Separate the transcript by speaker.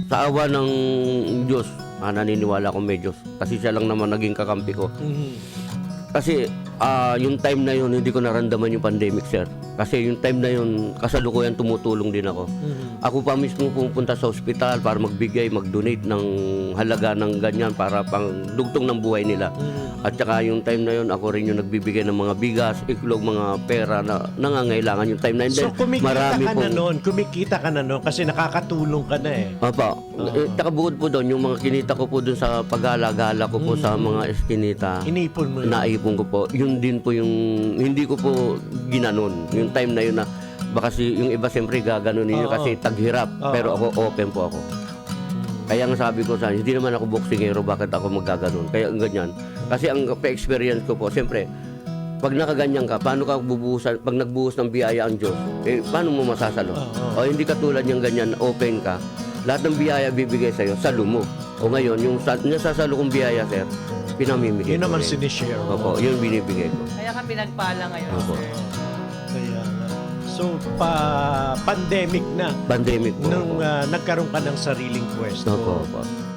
Speaker 1: sa awa ng Diyos, naniniwala ko may Diyos. Kasi siya lang naman naging kakampi ko. Kasi yung time na yun, hindi ko naramdaman yung pandemic, sir. Kasi yung time na yun, kasalukuyan tumutulong din ako. Ako pa mismo pupunta sa ospital para magbigay, mag-donate ng halaga ng ganyan para pang dugtong ng buhay nila. At saka yung time na yun, ako rin yung nagbibigay ng mga bigas, iklog, mga pera na nangangailangan yung time na yun.
Speaker 2: So kumikita ka na
Speaker 1: pong-
Speaker 2: noon, kasi nakakatulong ka na eh.
Speaker 1: Opo. Tsaka bukod po doon, yung mga kinita ko po doon sa pag-alagala ko po sa mga eskinita,
Speaker 2: Inipon mo yun.
Speaker 1: naipon ko po. Yun din po yung, hindi ko po ginanon. Yung time na yun na, baka yung iba siyempre gaganon ninyo kasi taghirap. Pero ako, open po ako. Kaya nga sabi ko sa hindi naman ako boksingero, bakit ako magaganon? Kaya ang ganyan. Kasi ang pa-experience ko po, siyempre, pag nakaganyan ka, paano ka bubuhusan, pag nagbuhos ng biyaya ang Diyos, paano mo masasalo? O hindi katulad yung ganyan, open ka, lahat ng biyaya bibigay sa'yo, salo mo. O ngayon, yung nasasalo kong biyaya, sir, pinamimigay
Speaker 2: Yun
Speaker 1: ko
Speaker 2: naman
Speaker 1: rin.
Speaker 2: sinishare mo.
Speaker 1: Opo, yun binibigay ko.
Speaker 3: Kaya ka pinagpala ngayon,
Speaker 1: Opo.
Speaker 3: sir.
Speaker 2: Kaya nga. So, pandemic na
Speaker 1: Pandemic po.
Speaker 2: nung nagkaroon ka ng sariling pwesto.
Speaker 1: Opo, opo.